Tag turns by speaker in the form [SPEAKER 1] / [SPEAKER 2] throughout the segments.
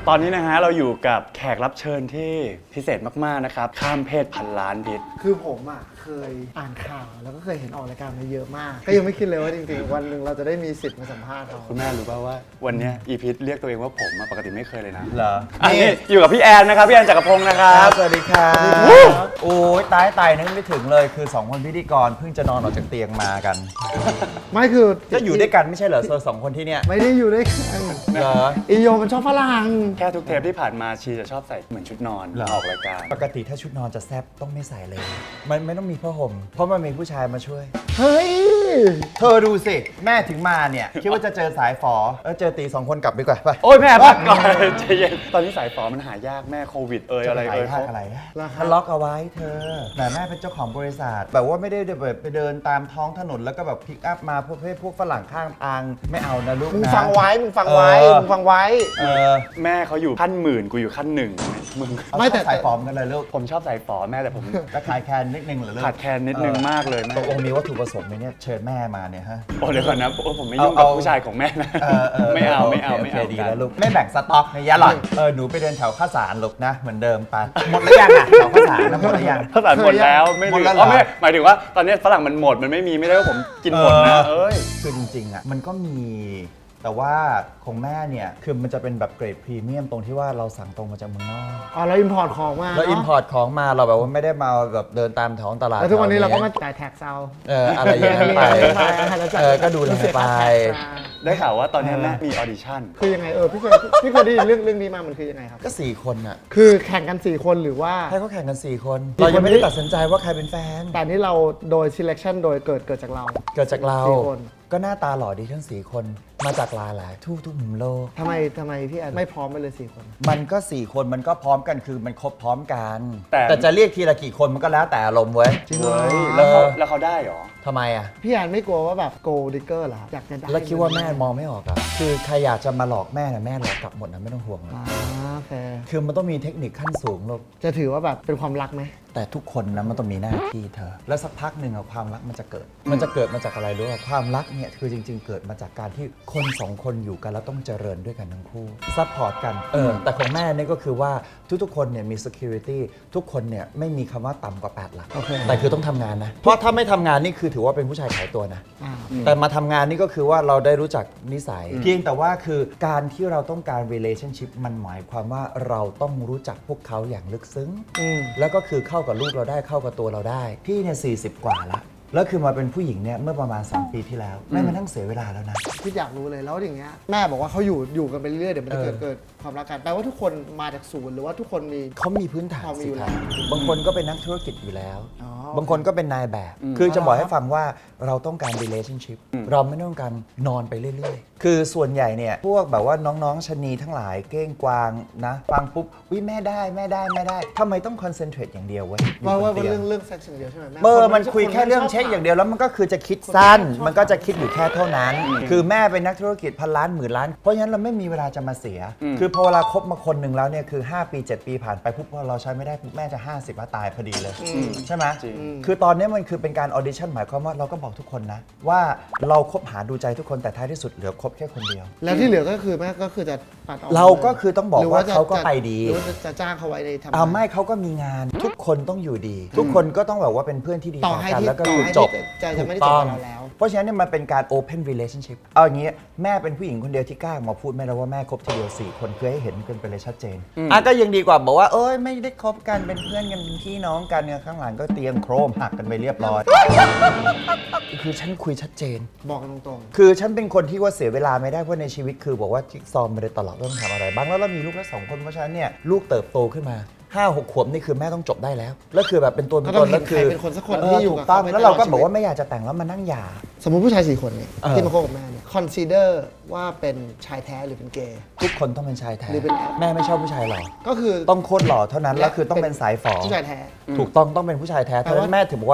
[SPEAKER 1] ตอนนี้นะฮะเราอยู่กับแขกรับเชิญที่พิเศษมากๆนะครับข้ามเพศพันล้านพิษ
[SPEAKER 2] คือผมอ่ะเคยอ่านข่าวแล้วก็เคยเห็นออกรายการมาเยอะมากก็ยังไม่คิดเลยว่าจริงๆวันหนึ่งเราจะได้มีสิทธิ์มาสัมภาษณ์เขา
[SPEAKER 1] คุณแม่รู้ป่าวว่าวันเนี้ยอีพิษเรียกตัวเองว่าผมปกติไม่เคยเลยนะ
[SPEAKER 3] เหรอ
[SPEAKER 1] อันนี้อยู่กับพี่แอนนะครับพี่แอนจักรพงศ์นะครับ
[SPEAKER 3] สวัสดีครับโอ้ยตายนึกไม่ถึงเลยคือ2คนพิธีกรเพิ่งจะนอนออกจากเตียงมากัน
[SPEAKER 2] ไม่คือ
[SPEAKER 3] ก็อยู่ด้วยกันไม่ใช่เหรอเธอ2คนที่เนี่ย
[SPEAKER 2] ไม่ได้อยู่ด้วยกัน
[SPEAKER 3] เหรอ
[SPEAKER 2] อีโยมันชอบฝรั่ง
[SPEAKER 1] แค่ทุกเทปที่ผ่านมาชีจะชอบใส่เหมือนชุดนอน
[SPEAKER 3] เหรอ
[SPEAKER 1] ออกรายการ
[SPEAKER 3] ปกติถ้าชุดนอนจะแซบต้องไม่ใส่เลย มันไม่ต้องมีผ้าห่มเพราะมันมีผู้ชายมาช่วย
[SPEAKER 2] เฮ้ย
[SPEAKER 3] เธอดูสิแม่ถึงมาเนี่ยคิดว่าจะเจอสายฝอแล้วเจอตี2คนกลับดีกว่าไป
[SPEAKER 1] โอ้ยแม่พักก่อนใจเย็นตอนนี้สายฝอมันหายากแม่โควิดอะไร
[SPEAKER 3] จะ
[SPEAKER 1] เขา
[SPEAKER 3] อะไร
[SPEAKER 2] ราคา
[SPEAKER 3] ทะล็อกเอาไว้เธอแต่แม่เป็นเจ้าของบริษัทแบบว่าไม่ได้แบบไปเดินตามท้องถนนแล้วก็แบบพิกอัพมาพวกฝรั่งข้างทางไม่เอานะลูกนะ
[SPEAKER 2] มึงฟังไว้มึงฟังไว้
[SPEAKER 3] เออ
[SPEAKER 2] มึงฟังไว้
[SPEAKER 1] แม่เขาอยู่ขั้นหมื่นกูอยู่ขั้นหนึ่งมึง
[SPEAKER 3] ไม่แต่สายฝอมกันเลยลูก
[SPEAKER 1] ผมชอบสายฝอแม่แต่ผม
[SPEAKER 3] จะขายแคนนิดนึงเหรอลูก
[SPEAKER 1] ขาดแคลนนิดนึงมากเลยแม่
[SPEAKER 3] ตกลงมีวัตถุประสงค์ไหมเนี่ยเชิญแม่มาเนี่ยฮะ
[SPEAKER 1] โอ้เดี๋ยวก่อนนะโอ้ผมไม่ยุ่งกับผู้ชายของแม่นะไม่เอา
[SPEAKER 3] โค
[SPEAKER 1] ไม่เอา
[SPEAKER 3] ดี
[SPEAKER 1] กัน
[SPEAKER 3] แล้วลูกไม่แบ่งสต็อกในยะหรอกหนูไปเดินแถวข้าวสารลูกนะเหมือนเดิมไปหมดหรือยังอ่ะแถวข้าวสารนะหมดหรือยัง
[SPEAKER 1] ภาษาหมดแล้วไม่
[SPEAKER 3] หม
[SPEAKER 1] เห
[SPEAKER 3] ด
[SPEAKER 1] ลื
[SPEAKER 3] แล้
[SPEAKER 1] อ
[SPEAKER 3] วเหรอ
[SPEAKER 1] ไม่หมายถึงว่าตอนนี้ฝรั่งมันหมดมันไม่มีไม่ได้ว่าผมกินหมดนะเอ้ย
[SPEAKER 3] คือจริงๆอ่ะมันก็มีแต่ว่าของแม่เนี่ยคือมันจะเป็นแบบเกรดพรีเมียมตรงที่ว่าเราสั่งตรงมาจากเมืองนอก
[SPEAKER 2] อ๋อเราอินพอร์ตของมา
[SPEAKER 3] แล้วอินพอร์ตของมาเราแบบว่าไม่ได้มาแบบเดินตามท้องตลาด
[SPEAKER 2] แล้วทุกวันนี้เราก็มาจ่ายแท็กเซา
[SPEAKER 3] อะไรอย่างนั้นไปก็ดูแลไป
[SPEAKER 1] ได้ข่าวว่าตอนนี้แม่มีออดิชั่น
[SPEAKER 2] คือยังไงพี่เคยได้ยินเรื่องนี้มามันคือยังไงครับ
[SPEAKER 3] ก็4คนอ่ะ
[SPEAKER 2] คือแข่งกัน4คนหรือว่า
[SPEAKER 3] ให้เขาแข่งกัน4คนเรายังไม่ได้ตัดสินใจว่าใครเป็นแฟน
[SPEAKER 2] แต่นี่เราโดย selection โดยเกิดจากเรา
[SPEAKER 3] เกิดจากเรา
[SPEAKER 2] 4 คน
[SPEAKER 3] ก็หน้าตาหล่อดีทั้ง4คนมาจากหลายทุกมุมโลก
[SPEAKER 2] ทำไมพี่แอนไม่พร้อมไปเลย4 คน
[SPEAKER 3] มันก็4คนมันก็พร้อมกันคือมันครบพร้อมกัน
[SPEAKER 1] แต่
[SPEAKER 3] แต่จะเรียกทีละกี่คนมันก็แล้วแต่อารมณ์เว้ย
[SPEAKER 2] จริงเหรอ
[SPEAKER 1] เฮ้ยแล้วเขาได้เหรอ
[SPEAKER 3] ทำไมอ่ะ
[SPEAKER 2] พี่แอนไม่กลัวว่าแบบ gold digger เหรออยากจะได้
[SPEAKER 3] แล้วคิดว่าแม่มองไม่ออกอ่ะคือใครอยากจะมาหลอกแม่นะแม่หลอกกลับหมดนะไม่ต้องห่วงนะ
[SPEAKER 2] โอเค
[SPEAKER 3] คือมันต้องมีเทคนิคขั้นสูงลูก
[SPEAKER 2] จะถือว่าแบบเป็นความรักไหม
[SPEAKER 3] แต่ทุกคนนะมันต้องมีหน้าที่เธอ แล้วสักพักหนึ่งอะความรักมันจะเกิด มันจะเกิดมาจากอะไรรู้ป่ะความรักเนี่ยคือจริง ๆ เกิดมาจากการที่คน2คนอยู่กันแล้วต้องเจริญด้วยกันทั้งคู่ซัพพอร์ตกันแต่ของแม่เนี่ยก็คือว่าทุกๆคนเนี่ยมี security ทุกคนเนี่ยไม่มีคำว่าต่ำกว่า8หลัก
[SPEAKER 2] โอเค
[SPEAKER 3] แต่คือต้องทำงานนะเพราะถ้าไม่ทำงานนี่คือถือว่าเป็นผู้ชายขายตัวนะ
[SPEAKER 2] อ่า
[SPEAKER 3] แต่มาทำงานนี่ก็คือว่าเราได้รู้จักนิสัย เพียงแต่ว่าคือการที่เราต้องการ relationship มันหมายความว่าเราต้องรู้จักพวกเขาอย่างลึกซึ้ง แล้วก็คือเข้ากับลูกเราได้เข้ากับตัวเราได้ พี่เนี่ย40 กว่าละแล้วคือมาเป็นผู้หญิงเนี่ยเมื่อประมาณ2 ปีที่แล้วไม่มานั่งเสียเวลาแล้วนะ
[SPEAKER 2] พี่อยากรู้เลยแล้วอย่างเงี้ยแม่บอกว่าเขาอยู่กันไปเรื่อยๆเดี๋ยวมันจะเกิดความรักกันแปลว่าทุกคนมาจากศูนย์หรือว่าทุกคนมี
[SPEAKER 3] เขามีพื้นฐาน
[SPEAKER 2] เขามี
[SPEAKER 3] สิ
[SPEAKER 2] อยู่
[SPEAKER 3] ค
[SPEAKER 2] แล้
[SPEAKER 3] รั
[SPEAKER 2] ว
[SPEAKER 3] บางคนก็เป็นนักธุรกิจอยู่แล้ว
[SPEAKER 2] อ๋อ
[SPEAKER 3] บางคนก็เป็นนายแบบ คือจะบอกให้ฟังว่าเราต้องการ relationship เราไม่ต้องการนอนไปเรื่อยๆ คือส่วนใหญ่เนี่ยพวกแบบว่าน้องๆชะนีทั้งหลายเก้งกวางนะฟังปุ๊บวิแม่ได้ทำไมต้อง concentrate อย่างเดียวเว้ยอยู่
[SPEAKER 2] ว่า
[SPEAKER 3] บน
[SPEAKER 2] ว่า
[SPEAKER 3] เตียง
[SPEAKER 2] เรื่องเซ็กซ์อย่างเดียวใช่ไหมแม่
[SPEAKER 3] มันคุยแค่เรื่องเช็คอย่างเดียวแล้วมันก็คือจะคิดสั้น มันก็จะคิดอยู่แค่เท่านั้น คือแม่เป็นนักธุรกิจพันล้านหมื่นล้าน เพราะฉะนั้นเราไม่มีเวลาจะมาเสีย คือพอเวลาคบมาคนหนึ่งแล้วเนี่ยคือ5 ปี 7 ปีผ่านไปปุ๊บพอเราใช้ไม่ได้ปุ๊บแม่จะ50แล้วตายพอดีเลยใช่ไหม
[SPEAKER 1] จริง
[SPEAKER 3] คือตอนนี้มันคือเป็นการออดิชั่นหมายความว่าเราก็บอกทุกคนนะว่าเราคบหาดูใจทุกคนแต่ท้ายที่สุดเหลือคบแค่คนเดียว
[SPEAKER 2] แล้วที่เหลือก็คือแม่ก็คือจะปัดออก
[SPEAKER 3] เราก็คือต้องบอกว่าเขาก็ไปดี
[SPEAKER 2] หรือว่าจะจ้างเขาไว้ในทำงาน
[SPEAKER 3] เอาไม่เขาก็มีงานทุกคนต้องอยู่ดี ทุกคนก็ต้องแบบว่าเป็นเพื่อนที่ดี
[SPEAKER 2] ต่อ
[SPEAKER 3] ต่อ
[SPEAKER 2] ให้
[SPEAKER 3] กัน
[SPEAKER 2] ที่
[SPEAKER 3] แล้วก็
[SPEAKER 2] ต่อ
[SPEAKER 3] อยู่
[SPEAKER 2] ให้
[SPEAKER 3] จบ
[SPEAKER 2] ที่จะไม่ได้
[SPEAKER 3] ถูก
[SPEAKER 2] จบ
[SPEAKER 3] ต้อง
[SPEAKER 2] กับเราแล้ว
[SPEAKER 3] เพราะฉะนั้นเนี่ยมันเป็นการ open relationship เอาอย่างนี้แม่เป็นผู้หญิงคนเดียวที่กล้ามาพูดแม่แล้วว่าแม่คบทีเดียว4 คนคือให้เห็นกันไปเลยชัดเจนก็ยังดีกว่าบอกว่าเอ้ยไม่ได้คบกันเป็นเพื่อนกันเป็นพี่น้องกันเนี่ยข้างหลังก็เตียงโครมหักกันไปเรียบร้อย คือฉันคุยชัดเจน
[SPEAKER 2] บอกกันตรง
[SPEAKER 3] คือฉันเป็นคนที่ว่าเสียเวลาไม่ได้เพราะในชีวิตคือบอกว่าจิ๊กซอว์มาโดยตลอดว่าต้องทำอะไรบ้างแล้วเรามีลูกแล้ว2 คนเพราะฉะนั้นเนี่ยลูกเติบโตขึ้นมา5-6 ขวบนี่คือแม่ต้องจบได้แล้วแล้วคือแบบเป็นตัว
[SPEAKER 2] ๆ
[SPEAKER 3] เป็
[SPEAKER 2] ก็
[SPEAKER 3] น
[SPEAKER 2] ต้
[SPEAKER 3] ต
[SPEAKER 2] อง
[SPEAKER 3] น
[SPEAKER 2] เห็
[SPEAKER 3] แล้
[SPEAKER 2] น
[SPEAKER 3] ว
[SPEAKER 2] ใคร
[SPEAKER 3] คือ
[SPEAKER 2] เป็นคนสักคนที่อยู่
[SPEAKER 3] ถู
[SPEAKER 2] กับ
[SPEAKER 3] กต้อง
[SPEAKER 2] ไป
[SPEAKER 3] แล้วเราก็
[SPEAKER 2] ตลด
[SPEAKER 3] บอกว่า
[SPEAKER 2] ชี
[SPEAKER 3] ไม่อยากจะแต่งแล้วมานั่งหย่า
[SPEAKER 2] สมมติผู้ชาย4 คนเนี่ย
[SPEAKER 3] เออ
[SPEAKER 2] ที่มาคบกับแม่เนี่ย consider ว่าเป็นชายแท้หรือเป็นเกย์
[SPEAKER 3] ทุกคนต้องเป็นชายแท้
[SPEAKER 2] หรือเป็นแอป
[SPEAKER 3] แม่ไม่ชอบผู้ชายหรอ
[SPEAKER 2] ก็คือ
[SPEAKER 3] ต้องโคตรหล่อเท่านั้นแล้วคือต้องเป็นสายฝอ
[SPEAKER 2] ผู้ชายแท้
[SPEAKER 3] ถูกต้องเป็นผู้ชายแท้
[SPEAKER 2] แปล
[SPEAKER 3] เท่า
[SPEAKER 2] ว่า
[SPEAKER 3] นั้นแม่ถึงบอกว่า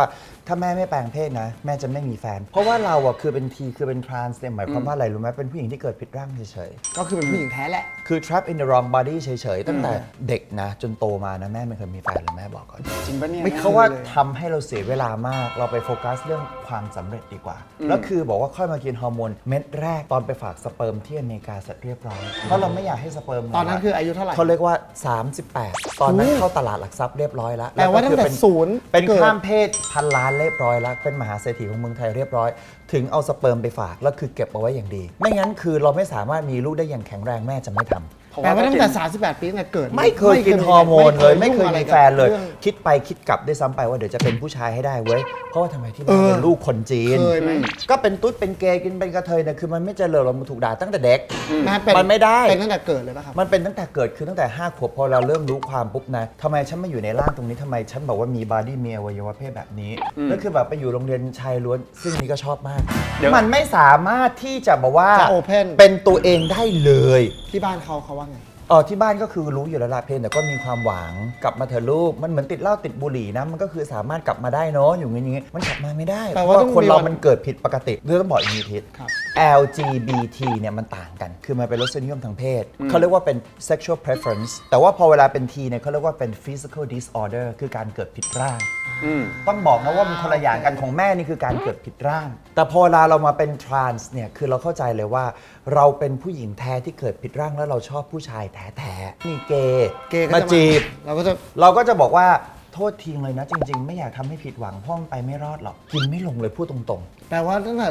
[SPEAKER 3] ถ้าแม่ไม่แปลงเพศนะแม่จะไม่มีแฟน เพราะว่าเราอะคือเป็นทีคือเป็นทรานส์เนี่ยหมายความว่าอะไรรู้ไหมเป็นผู้หญิงที่เกิดผิดร่างเฉย
[SPEAKER 2] ก็คือเป็นผู้หญิงแท้แหละ
[SPEAKER 3] ๆคือ trap in the wrong body เฉยๆตั้งแต่เด็กนะจนโตมานะแม่ไม่เคยมีแฟนเลยแม่บอกก่อน
[SPEAKER 1] จริงปะเนี่ย
[SPEAKER 2] ไม่
[SPEAKER 3] เพราะว่าทำให้เราเสียเวลามากเราไปโฟกัสเรื่องความสำเร็จดีกว่า แล้วคือบอกว่าค่อยมากินฮอร์โมนเม็ดแรกตอนไปฝากสเปิร์มที่อเมริกาเสร็จเรียบร้อยเพราะเราไม่อยากให้สเปิร์ม
[SPEAKER 2] ตอนนั้นคืออายุเท่าไหร่
[SPEAKER 3] เขาเรียกว่า 38 ตอนนั้นเข้าตลาดหลักทรัพย์เรียบร้อยแล้ว
[SPEAKER 2] แปลว่าตั้งแต่
[SPEAKER 3] เป็น
[SPEAKER 2] ศูนย์
[SPEAKER 3] เป็น
[SPEAKER 2] เกิด
[SPEAKER 3] ข้ามเพศพันล้านเรียบร้อยแล้วเป็นมหาเศรษฐีของเมืองไทยเรียบร้อย ถึงเอาสเปิร์มไปฝากแล้วคือเก็บเอาไว้อย่างดี ไม่งั้นคือเราไม่สามารถมีลูกได้อย่างแข็งแรงแม่จะไม่ทำ
[SPEAKER 2] แปลว่าตั้งแต่ 38 ปีตั้งแต่เกิด
[SPEAKER 3] ไม่เคยกินฮอร์โมนเลยไม่เคย
[SPEAKER 2] งอะร
[SPEAKER 3] มี
[SPEAKER 2] กับ
[SPEAKER 3] แฟนเลย
[SPEAKER 2] รื่อง
[SPEAKER 3] คิดไปคิดกลับด้วยซ้ำไปว่าเดี๋ยวจะเป็นผู้ชายให้ได้เว้ยเพราะว่าทำไมที่บ้านเป็นลูกคนจีน
[SPEAKER 2] เคยไหม
[SPEAKER 3] ก็เป็นตุ๊ดเป็นเกย์กินเป็นกระเทยเนี่ยคือมันไม่เจริญเราถูกด่าตั้งแต่เด็ก
[SPEAKER 2] เป็
[SPEAKER 3] มันไม่ได้
[SPEAKER 2] เป็นตั้งแต่เกิดเลยป่ะครับ
[SPEAKER 3] มันเป็นตั้งแต่เกิดคือตั้งแต่5 ขวบพอเราเริ่มรู้ความปุ๊บนะทำไมฉันมาอยู่ในร่างตรงนี้ทำไมฉันบอกว่ามีบอดี้มีอวัยวะเพศแบบนี้แล้วคือแบบไปอยู่โรงเรียนชายล้วนซึ่งนี่ก็ชอบมาก มันไม่สามารถที่จะบอกว่า
[SPEAKER 2] จะ open
[SPEAKER 3] เป็นตัวเองได้เลย
[SPEAKER 2] ที่บ้านเขาว่าไง
[SPEAKER 3] ที่บ้านก็คือรู้อยู่แล้วละเพนแต่ก็มีความหวังกลับมาเถอะลูกมันเหมือนติดเหล้าติดบุหรี่นะมันก็คือสามารถกลับมาได้เนาะอยู่อย่างงี้มันกลับมาไม่ได้
[SPEAKER 2] แปล
[SPEAKER 3] เพ
[SPEAKER 2] ว่า
[SPEAKER 3] ราะ
[SPEAKER 2] ต้อง
[SPEAKER 3] ว่าคนเรา
[SPEAKER 2] มีวัน
[SPEAKER 3] มันเกิดผิดปกติเรื่องต้องบอกอย่างนี้ทิศ
[SPEAKER 2] ครับ
[SPEAKER 3] LGBT เนี่ยมันต่างกัน คือมันเป็นรสนิยมทางเพศ เขาเรียกว่าเป็น sexual preference แต่ว่าพอเวลาเป็น T เนี่ยเขาเรียกว่าเป็น physical disorder คือการเกิดผิดร่าง ต้องบอกนะว่ามันคนละอย่างกันของแม่นี่คือการเกิดผิดร่าง แต่พอเวลาเรามาเป็น trans เนี่ยคือเราเข้าใจเลยว่า เราเป็นผู้หญิงแท้ที่เกิดผิดร่างแล้วเราชอบผู้ชายแท้ๆมีเกย์
[SPEAKER 2] เกย์ก็
[SPEAKER 3] มา
[SPEAKER 2] จะ
[SPEAKER 3] จีบ
[SPEAKER 2] เราก็จะ
[SPEAKER 3] เราก็จะบอกว่าโทษทีเลยนะจริง ๆ ไม่อยากทำให้ผิดหวังเพ่อมันไปไม่รอดหรอกกินไม่ลงเลยพูดตรงๆ
[SPEAKER 2] แปลว่าตั้งแต่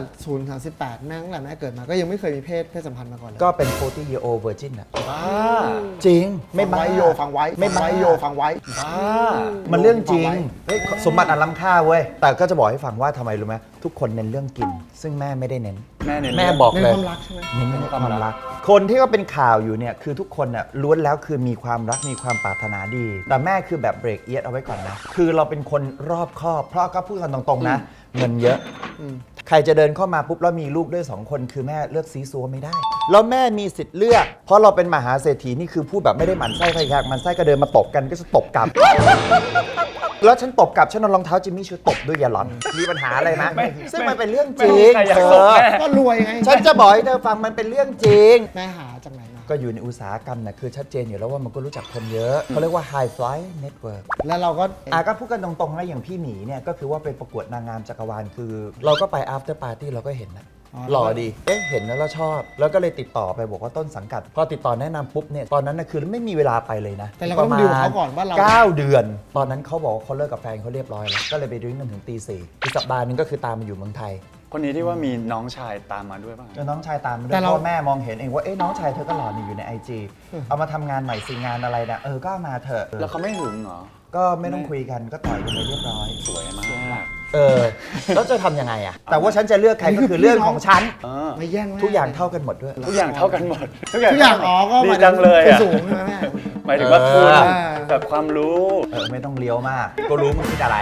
[SPEAKER 2] 0 38แม่ตั้งแต่แม่เกิดมาก็ยังไม่เคยมีเพศสัมพันธ์มาก่อนเลย
[SPEAKER 3] ก็เป็น 40 year old virgin อะจริงไม่บ้า
[SPEAKER 2] ฟังไว้โยฟังไว้
[SPEAKER 3] ไม่บ้า
[SPEAKER 2] ฟังว้โยฟังไว้
[SPEAKER 3] มันเรื่องจริง
[SPEAKER 2] ฟัไว้
[SPEAKER 3] เฮ้ยสมบัติอันล้ำค่าเว้ย แต่ก็จะบอกให้ฟังว่าทำไมรู้ไหมทุกคนเน้นเรื่องกิน ซึ่งแม่ไม่ได้เน้น
[SPEAKER 1] แม่เน้น
[SPEAKER 3] แม่บอก
[SPEAKER 2] เน้น
[SPEAKER 3] เลย
[SPEAKER 2] ความรักใช่ไหม
[SPEAKER 3] เน้นเรื่องความรัก คนที่ก็เป็นข่าวอยู่เนี่ยคือทุกคนน่ะล้วนแล้วคือมีความรักมีความปรารถนาดี แต่แม่คือแบบเบรกเอียดเอาไว้ก่อนนะ คือเราเป็นคนรอบคอบ เพราะก็พูดกันตรงๆนะ เงินเยอะ ใครจะเดินเข้ามาปุ๊บแล้วมีลูกด้วย 2 คนคือแม่เลือกซีซัวไม่ได้ แล้วแม่มีสิทธิ์เลือก เพราะเราเป็นมหาเศรษฐีนี่คือพูดแบบไม่ได้หมั่นไส้ใครอยากหมั่นไส้ก็เดินมาตบกันก็จะตบกลับ แล้วฉันตบกลับฉันเอารองเท้าจิมมี่ชูตบด้วยอย่าหลอน มีปัญหาอะไรไหมซึ่งมันเป็นเรื่องจริง
[SPEAKER 1] ใครอยาก
[SPEAKER 3] เธ
[SPEAKER 1] ตบ
[SPEAKER 3] อ
[SPEAKER 1] แม่
[SPEAKER 2] ก็รวยไง
[SPEAKER 3] ฉันจะบอกให้เธอฟังมันเป็นเรื่องจริง
[SPEAKER 2] แม่หาจากไหนมา
[SPEAKER 3] ก็อยู่ในอุตสาหกรรมนะคือชัดเจนอยู่แล้วว่ามันก็รู้จักคนเยอะเขาเรียกว่า high fly network
[SPEAKER 2] แล้วเราก็
[SPEAKER 3] ก็พูดกันตรงๆนะอย่างพี่หมีเนี่ยก็คือว่าไปประกวดนางงามจักรวาลคือ เราก็ไป after party เราก็เห็นนะหล่อดีเห็นแล้วเราชอบ แล้วก็เลยติดต่อไปบอกว่าต้นสังกัด พอติดต่อแนะนำปุ๊บเนี่ยตอนนั้นนะคือไม่มีเวลาไปเลยนะ
[SPEAKER 2] แต่เราก็ต้องดิวกับเขาก่อนว่าเรา
[SPEAKER 3] 9 เดือน ตอนนั้นเขาบอกว่าเขาเลิกกับแฟนเขาเรียบร้อยแล้วก็เลยไปดื่มกันถึงตี 4อีกสัปดาห์หนึงก็คือตามมาอยู่เมืองไทย
[SPEAKER 1] คนนี้ที่ว่ามีน้องชายตามมาด้วยป่ะ
[SPEAKER 3] แล้วน้องชายตามมาด้ว
[SPEAKER 2] แต่
[SPEAKER 3] ย
[SPEAKER 2] เรา
[SPEAKER 3] พ่อแม่มองเห็นเองว่าเอ๊ะน้องชายเธอก็หล่อนี่อยู่ใน IG เอามาทำงานใหม่สิงานอะไรนะก็เอามาเถอะ
[SPEAKER 1] แล้วเขาไม่หึงเหรอ
[SPEAKER 3] ก็ไม่ต้องคุยกันก็ต่อยกันไปเรียบร้อย
[SPEAKER 1] สวยมาก
[SPEAKER 3] แล้วจะทำยังไงอะแต่ว่าฉันจะเลือกใครก็คือเรื่องของฉัน
[SPEAKER 2] ไม่แย่งแม่
[SPEAKER 3] ทุกอย่างเท่ากันหมดด้วย
[SPEAKER 1] ทุกอย่างเท่ากันหมด
[SPEAKER 2] ทุกอย่างก็
[SPEAKER 1] ดี
[SPEAKER 2] หมาย
[SPEAKER 1] จังเลย
[SPEAKER 2] ถึ
[SPEAKER 1] อ่ะ
[SPEAKER 2] สูงใช่ไหมแม่
[SPEAKER 1] หมายถึงว่าคุณ
[SPEAKER 3] เออ
[SPEAKER 1] แบบความรู้
[SPEAKER 3] ไม่ต้องเลี้ยวมาก ก็รู้มึงคิดอะไร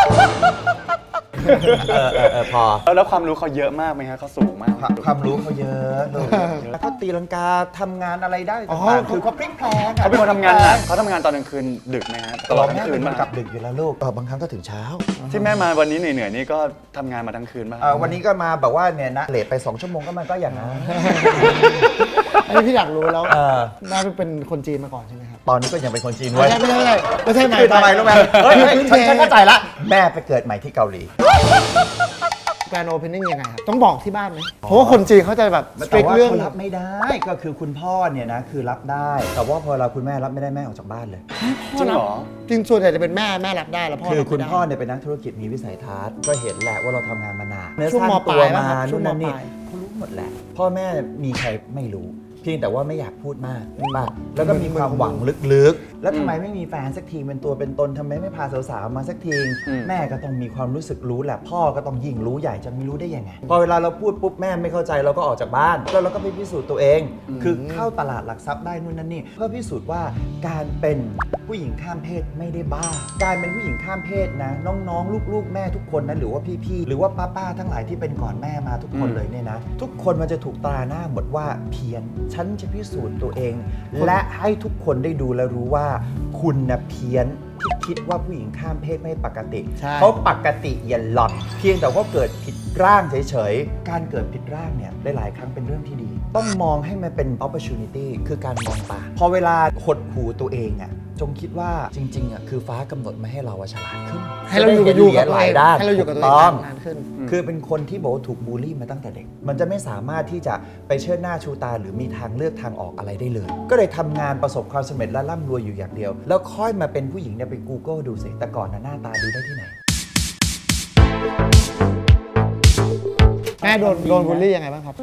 [SPEAKER 3] พอ
[SPEAKER 1] แล้วความรู้เขาเยอะมากไหมฮะเขาสูงมาก
[SPEAKER 3] ความรู้เขาเยอะแล้วก็ตีลังกาทำงานอะไรได้
[SPEAKER 2] อ๋อ
[SPEAKER 3] ต่างๆคือเขาพลิกแพลงอะ
[SPEAKER 1] เขาเป็นคนทำงานหนักเขาทำงานตอนกลางคืนดึกไหมฮะตลอดทั้
[SPEAKER 3] แม่
[SPEAKER 1] งคื
[SPEAKER 3] เป็น น
[SPEAKER 1] มา
[SPEAKER 3] คนกลับดึกอยู่แล้วลูกบางครั้งก็ถึงเช้า
[SPEAKER 1] ที่แม่มาวันนี้เหนื่อยๆนี่ก็ทำงานมาทั้งคืนป่ะ
[SPEAKER 3] วันนี้ก็มาแบบว่าเนี่ยนะเลทไป2 ชั่วโมงก็มันก็อย่างนั้น
[SPEAKER 2] อันนี้พี่อยากรู้แล้ว
[SPEAKER 3] เ
[SPEAKER 2] แม่เป็นคนจีนมาก่อนใช่ไหมครับ
[SPEAKER 3] ตอนนี้ก็ยังเป็นคนจีน
[SPEAKER 2] ไม่
[SPEAKER 3] ไว้ย
[SPEAKER 2] ใช่ไม่ใช่
[SPEAKER 3] คือทำไมรู้ไหมเฮ้ย
[SPEAKER 2] พื้น
[SPEAKER 3] ฉันเข้าใจละแม่ไปเกิดใหม่ที่เกาหลี
[SPEAKER 2] แกรนด์โอเพนนิ่งยังไงครับต้องบอกที่บ้านไหมเพราะว่าคนจีนเขาจะแบบสต
[SPEAKER 3] แต่
[SPEAKER 2] ริก
[SPEAKER 3] ว่า
[SPEAKER 2] เรื่อง
[SPEAKER 3] เขารับไม่ได้ก็คือคุณพ่อเนี่ยนะคือรับได้ แต่ว่าพอเราคุณแม่รับไม่ได้แม่ออกจากบ้านเลย
[SPEAKER 1] จริงเหรอ
[SPEAKER 2] จริงส่วนใหญ่จะเป็นแม่รับได้แล้วพ่อ
[SPEAKER 3] คือ
[SPEAKER 2] รับ
[SPEAKER 3] คุณ
[SPEAKER 2] ไม่ได้
[SPEAKER 3] พ่อเนี่ยเป็นนักธุรกิจมีวิสัยทัศน์ก็เห็นแหละว่าเราทำงานมานาน
[SPEAKER 2] ช่วงมปลาย
[SPEAKER 3] ตัว
[SPEAKER 2] ป่ะ
[SPEAKER 3] มา
[SPEAKER 2] ครับช่ว
[SPEAKER 3] นู่
[SPEAKER 2] ง
[SPEAKER 3] นนั่นนี่
[SPEAKER 2] มปลาย
[SPEAKER 3] เขารู้หมดแหละ พ่อแม่มีใครไม่รู้ เพียงแต่ว่าไม่อยากพูดมากป่ะแล้วก็มีความหวังลึกๆ แล้วทำไมไม่มีแฟนสักทีเป็นตัวเป็นตนทำไมไม่พาสาวๆมาสักที แม่ก็ต้องมีความรู้สึกรู้แหละพ่อก็ต้องยิ่งรู้ใหญ่จะไม่รู้ได้ยังไงพอเวลาเราพูดปุ๊บแม่ไม่เข้าใจเราก็ออกจากบ้านแล้วเราก็ไปพิสูจน์ตัวเอง คือเข้าตลาดหลักทรัพย์ได้นู่นนั่นนี่เพื่อพิสูจน์ว่าการเป็นผู้หญิงข้ามเพศไม่ได้บ้าการเป็นผู้หญิงข้ามเพศนะน้องๆลูกๆแม่ทุกคนนะหรือว่าพี่ๆหรือว่าป้าๆทั้งหลายที่เป็นก่อนแม่มาทุกคนเลยเนี่ยนะทุกคนมันจะถูกตราหน้าหมดว่าเพี้ยนฉันจะพิสูจน์ตัวเอง และให้ทุกคนได้ดูและรู้ว่าคุณนะเพี้ยนที่คิดว่าผู้หญิงข้ามเพศไม่ปกติ
[SPEAKER 2] ใช่
[SPEAKER 3] เขาปกติอย่าหลอนเพียงแต่ว่าเกิดผิดร่างเฉยๆการเกิดผิดร่างเนี่ยหลายๆครั้งเป็นเรื่องที่ดี ต้องมองให้มันเป็น opportunity คือการมองต่างพอเวลาหดหูตัวเองอ่ะจงคิดว่าจริงๆอ่ะคือฟ้ากำหนดมาให้เราฉลาดขึ้น
[SPEAKER 2] ให้เราอยู่กับ
[SPEAKER 3] จะได้
[SPEAKER 2] ตัว
[SPEAKER 3] หลาย
[SPEAKER 2] เอง
[SPEAKER 3] ด้าน
[SPEAKER 2] ให้เราอยู่กับตัวเอ
[SPEAKER 3] ถู
[SPEAKER 2] ง
[SPEAKER 3] ต้อง
[SPEAKER 2] นานขึ้น
[SPEAKER 3] คือเป็นคนที่บอกว่าถูกบูลลี่มาตั้งแต่เด็ก มันจะไม่สามารถที่จะไปเชิดหน้าชูตาหรือมีทางเลือกทางออกอะไรได้เลย ก็เลยทำงานประสบความสำเร็จและร่ำรวยอยู่อย่างเดียว แล้วค่อยมาเป็นผู้หญิงเนี่ยไป Google ดูสิ แต่ก่อนน่ะหน้าตาดีได้ที่ไหน
[SPEAKER 2] แม่โดนบูลลี่ยังไงบ้างครับ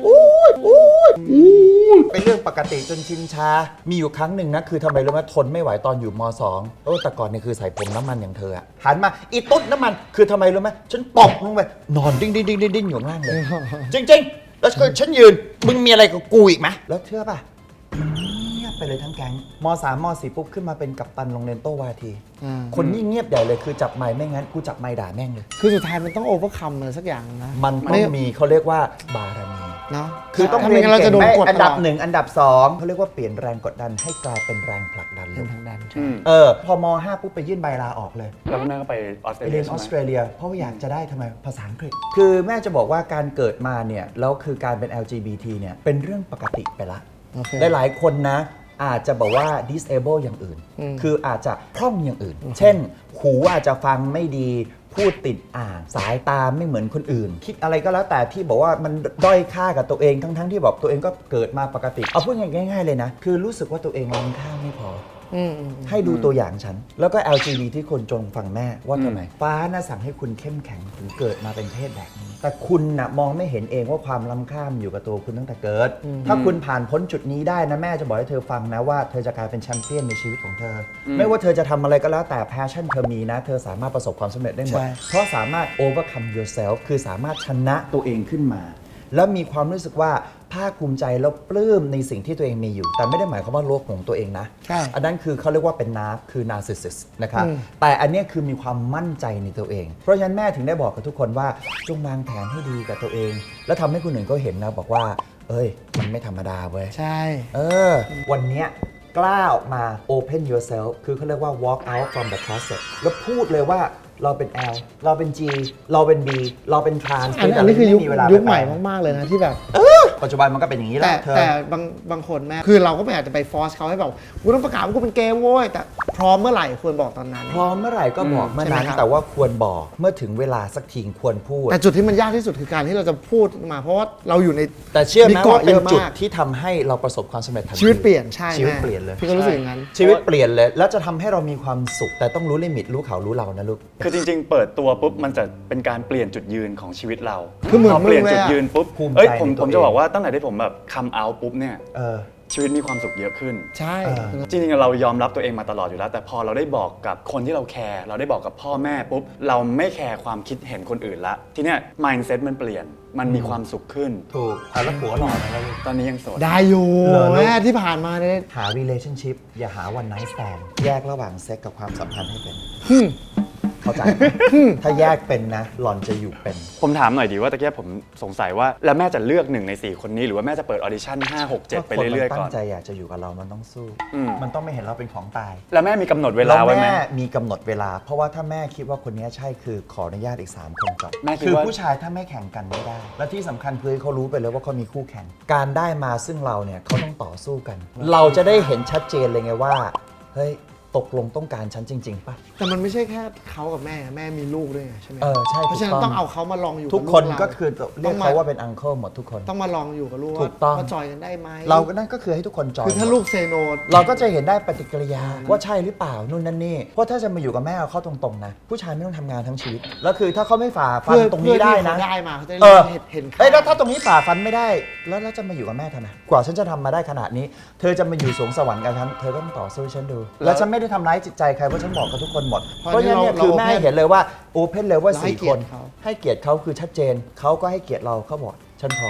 [SPEAKER 3] เป็นเรื่องปกติจนชินชา มีอยู่ครั้งหนึ่งนะ คือทำไมรู้ไหมทนไม่ไหวตอนอยู่ม2แต่ก่อนเนี่ยคือใส่ผมน้ำมันอย่างเธออะหันมาอีตุ๊ดน้ำมัน คือทำไมรู้ไหมฉันตบลงไปนอนดิ้งดิ้งดิ้งดิ้งดิ้งอยู่ข้างล่างเลย จริงๆ แล้วฉันยืน มึงมีอะไรกับกูอีกไหมแล้วเชื่อป่ะเงียบไปเลยทั้งแก๊งม3ม4ปุ๊บขึ้นมาเป็นกัปตันโรงเรียนโต้วาที คนนี้เงียบใหญ่เลยคือจับไม้ไม่งั้นกูจับไม้ด่าแม่งเลย
[SPEAKER 2] คือสุดท้ายมันต้องโอเวอร์คัมอะไรสักอย่างนะ
[SPEAKER 3] มันต้องมีเขาเรียกว่าบารมี
[SPEAKER 2] เนาะ
[SPEAKER 3] คือต้อง
[SPEAKER 2] ถ้า
[SPEAKER 3] เรี
[SPEAKER 2] ไม่
[SPEAKER 3] ยน
[SPEAKER 2] งั้นเรา
[SPEAKER 3] เก่
[SPEAKER 2] จะ
[SPEAKER 3] ง
[SPEAKER 2] โดน
[SPEAKER 3] ไหม
[SPEAKER 2] กด
[SPEAKER 3] อันดับ
[SPEAKER 2] ตล
[SPEAKER 3] 1 อันดับ 2เขาเรียกว่าเปลี่ยนแรงกดดันให้กลายเป็นแรงผลักดันเล
[SPEAKER 2] เป็น
[SPEAKER 3] ย
[SPEAKER 2] ทางดัน
[SPEAKER 3] พอม5ปุ๊บไปยื่นใบลาออกเลย
[SPEAKER 1] แล้วคุณแม่ก็ไปออสเตร
[SPEAKER 3] ไป
[SPEAKER 1] เลี
[SPEAKER 3] เรี
[SPEAKER 1] ย
[SPEAKER 3] ยนอ
[SPEAKER 1] ใช่
[SPEAKER 3] อ
[SPEAKER 1] ไห
[SPEAKER 3] ส
[SPEAKER 1] ม
[SPEAKER 3] เตรเลีย เพราะว่าอยากจะได้ทำไมภาษาอังกฤษ คือแม่จะบอกว่าการเกิดมาเนี่ยแล้วคือการเป็น LGBT เนี่ยเป็นเรื่องปกติไปละ
[SPEAKER 2] โอเค
[SPEAKER 3] หลายๆคนนะอาจจะบอกว่า disable อย่างอื่น คืออาจจะพร่องอย่างอื่น เช่น หูอาจจะฟังไม่ดี พูดติดอ่างสายตาไม่เหมือนคนอื่น คิดอะไรก็แล้วแต่ที่บอกว่ามันด้อยค่ากับตัวเองทั้งๆที่บอกตัวเองก็เกิดมาปกติ เอาพูดง่ายๆเลยนะ คือรู้สึกว่าตัวเองล้ำค่าไม่พอ ให้ดูตัวอย่างฉัน แล้วก็ LGBT ที่คนจงฟังแม่ว่าทำไมฟ้าน่ะสั่งให้คุณเข้มแข็งถึงเกิดมาเป็นเพศแบบนี้ แต่คุณน่ะมองไม่เห็นเองว่าความล้ำค่ามอยู่กับตัวคุณตั้งแต่เกิด ถ้าคุณผ่านพ้นจุดนี้ได้นะแม่จะบอกให้เธอฟังนะว่าเธอจะกลายเป็นแชมเปี้ยนในชีวิตของเธออไม่ว่าเธอจะทำอะไรก็แล้วแต่แพชชั่นเธอมีนะ เธอสามารถประสบความสำเร็จได้หมด
[SPEAKER 2] ใช่
[SPEAKER 3] เพราะสามารถ overcome yourself คือสามารถชนะตัวเองขึ้นมา แล้วมีความรู้สึกว่าภาคภูมิใจแล้วปลื้มในสิ่งที่ตัวเองมีอยู่ แต่ไม่ได้หมายความว่าโลกของตัวเองนะ
[SPEAKER 2] ใช่
[SPEAKER 3] อันนั้นคือเขาเรียกว่าเป็นนาร์ฟคือ narcissist นะครับ แต่อันเนี้ยคือมีความมั่นใจในตัวเอง เพราะฉะนั้นแม่ถึงได้บอกกับทุกคนว่าจงวางแผนให้ดีกับตัวเอง แล้วทำให้คนอื่นก็เห็นนะบอกว่า เอ้ย มันไม่ธรรมดาเว้ย
[SPEAKER 2] ใช่
[SPEAKER 3] วันเนี้ยกล้าออกมา open yourself คือเขาเรียกว่า walk out from the closet แล้วพูดเลยว่าเราเป็น L เราเป็น G เราเป็น B เราเป็น trans
[SPEAKER 2] อันนี้คือยุค
[SPEAKER 3] ไม่มีเวลา
[SPEAKER 2] ใหม่
[SPEAKER 3] ไป
[SPEAKER 2] มากๆเลยนะที่แบบ
[SPEAKER 3] ปัจจุบันมันก็เป็นอย่างนี้แห
[SPEAKER 2] แต่
[SPEAKER 3] ละเธอ
[SPEAKER 2] แต่บางคนแม่คือเราก็ไม่อาจจะไปฟอร์สเขาให้แบบกูต้องประกาศว่ากูเป็นเกย์โว้ยแต่พร้อมเมื่อไหร่ควรบอกตอนนั้น
[SPEAKER 3] พร้อมเมื่อไหร่ก็บอกเมื่อนั้น
[SPEAKER 2] ใช่ไหมครับ
[SPEAKER 3] แต่ว่าควรบอกเมื่อถึงเวลาสักทีควรพูด
[SPEAKER 2] แต่จุดที่มันยากที่สุดคือการที่เราจะพูดมา เพราะว่าเราอยู่ใน
[SPEAKER 3] แต่เชื่อไหม
[SPEAKER 2] มีเกาะ
[SPEAKER 3] ว่าเป็น
[SPEAKER 2] เยอะมาก
[SPEAKER 3] จุดที่ทำให้เราประสบความสำเร็จทันที
[SPEAKER 2] ชีวิตเปลี่ยนใช่
[SPEAKER 3] ชีวิต
[SPEAKER 2] แม่
[SPEAKER 3] เปลี่ยนเลย
[SPEAKER 2] พี่ก็รู้สึกอย่างนั้น
[SPEAKER 3] ชีวิตเปลี่ยนเลย แล้วจะทำให้เรามีความสุข แต่ต้องรู้ลิมิตรู้เขารู้เรานะลูก
[SPEAKER 1] คือจริงๆ เปิดตัวปุ๊บมันจะเป็นการเปลี่ยนจุดยืนของชีวิตเรา
[SPEAKER 2] คือเหมือน
[SPEAKER 1] พเปลี่ยน
[SPEAKER 2] มึงเลย
[SPEAKER 1] จุด
[SPEAKER 2] อะ
[SPEAKER 1] ยืนปุ๊บ
[SPEAKER 3] ภูมิใจ
[SPEAKER 1] เอ้ยผม
[SPEAKER 3] ในตัว
[SPEAKER 1] ผมจะ
[SPEAKER 3] เอง
[SPEAKER 1] บอกว่าตั้งแต่ที่ผมแบบคัมเอาปุ๊บเนี่ย
[SPEAKER 3] เออ
[SPEAKER 1] ชีวิตมีความสุขเยอะขึ้น
[SPEAKER 2] ใช่
[SPEAKER 1] จริงๆเรายอมรับตัวเองมาตลอดอยู่แล้ว แต่พอเราได้บอกกับคนที่เราแคร์เราได้บอกกับพ่อแม่ปุ๊บเราไม่แคร์ความคิดเห็นคนอื่นละทีเนี้ย mindset มันเปลี่ยนมันมีความสุขขึ้น
[SPEAKER 3] ถูกแล้วผัวหล่อไหมล่ะลูก
[SPEAKER 1] ตอนนี้ยังโสด
[SPEAKER 2] ได้อยู่
[SPEAKER 3] เหรอลูก
[SPEAKER 2] แม่ที่ผ่านมาเนี่ย
[SPEAKER 3] หา relationship อย่าหา one night stand แยกระหว่างเซ็กกับความสัมพันธ์ให้เป็น เข้าใจไหมถ้าแยกเป็นนะ หล่อนจะอยู่เป็น
[SPEAKER 1] ผมถามหน่อยดีว่าตะเกียบผมสงสัยว่าแล้วแม่จะเลือก1 ใน 4 คนนี้หรือว่าแม่จะเปิดออดิชั่น5 6 7 ไปเรื่อยๆก่อน
[SPEAKER 3] ตั้งใจอยากจะอยู่กับเรามันต้องสู้
[SPEAKER 1] อืม
[SPEAKER 3] มันต้องไม่เห็นเราเป็นของตาย
[SPEAKER 1] แล้วแม่มีกำหนดเวลาไว้ไหม
[SPEAKER 3] แม่มีกำหนดเวลา เพราะว่าถ้าแม่คิดว่าคนนี้ใช่คือขออนุญาตอีก 3 คนก่อน
[SPEAKER 1] แม่คิด
[SPEAKER 3] คือ
[SPEAKER 1] ว่า
[SPEAKER 3] ผู้ชายถ้าไม่แข่งกันไม่ได้ และที่สำคัญคือเขารู้ไปเลยว่าเขามีคู่แข่ง การได้มาซึ่งเราเนี่ยเขาต้องต่อสู้กัน เราจะได้เห็นชัดเจนเลยไงว่าเฮ้ยตกลงต้องการฉันจริง ๆป่ะ
[SPEAKER 2] แต่มันไม่ใช่แค่เขากับแม่แม่มีลูกด้วยไงใช่ไหม
[SPEAKER 3] ใช่
[SPEAKER 2] เพราะฉะนั้น
[SPEAKER 3] ถูก
[SPEAKER 2] ต้องเอาเขามาลองอยู่
[SPEAKER 3] ทุก
[SPEAKER 2] บ
[SPEAKER 3] คน
[SPEAKER 2] ลูเรา
[SPEAKER 3] ก็คือเรียกเขาว่าเป็นอังเคิลหมดทุกคน
[SPEAKER 2] ต้องมาลองอยู่กับลูก
[SPEAKER 3] ถูกต้อง
[SPEAKER 2] ว่าจอยกันได้ไหม
[SPEAKER 3] เราก็นั่นก็คือให้ทุกคนจอย
[SPEAKER 2] คือถ้าลูกเซโน
[SPEAKER 3] เราก็จะเห็นได้ปฏิกิริยาว่าใช่หรือเปล่านู่นนั่นนี่เพราะถ้าจะมาอยู่กับแม่เอาเข้าตรงๆนะผู้ชายไม่ต้องทำงานทั้งชีวิตแล้วคือถ้าเขาไม่ฝ่าฟันตรงนี้ได้นะ
[SPEAKER 2] ได้มาเขาจะ
[SPEAKER 3] เออ
[SPEAKER 2] เห็นค่า
[SPEAKER 3] เอ้ยแล้วถ้าตรงนี้ฝ่าฟันไม่ได้แล้วจะมาอยู่กับแม่ทำไมกว่าฉันจะทำมาได้ขนาดนี้ เธอจะมาอยู่สวงสวรรค์กับฉันเธอก็ต้องต่อสู้ให้ฉันดู แล้วฉันไม่ได้ทำร้ายจิตใจใครเพราะฉันบอกกับทุกคนหมดเพราะฉะนั้นเนี่ยคือแม่เห็นเลยว่าโอเพนเลยว่า4 คนให้เกียรติเขาคือชัดเจนเขาก็ให้เกียรติเราเขาบอกฉันพร้อม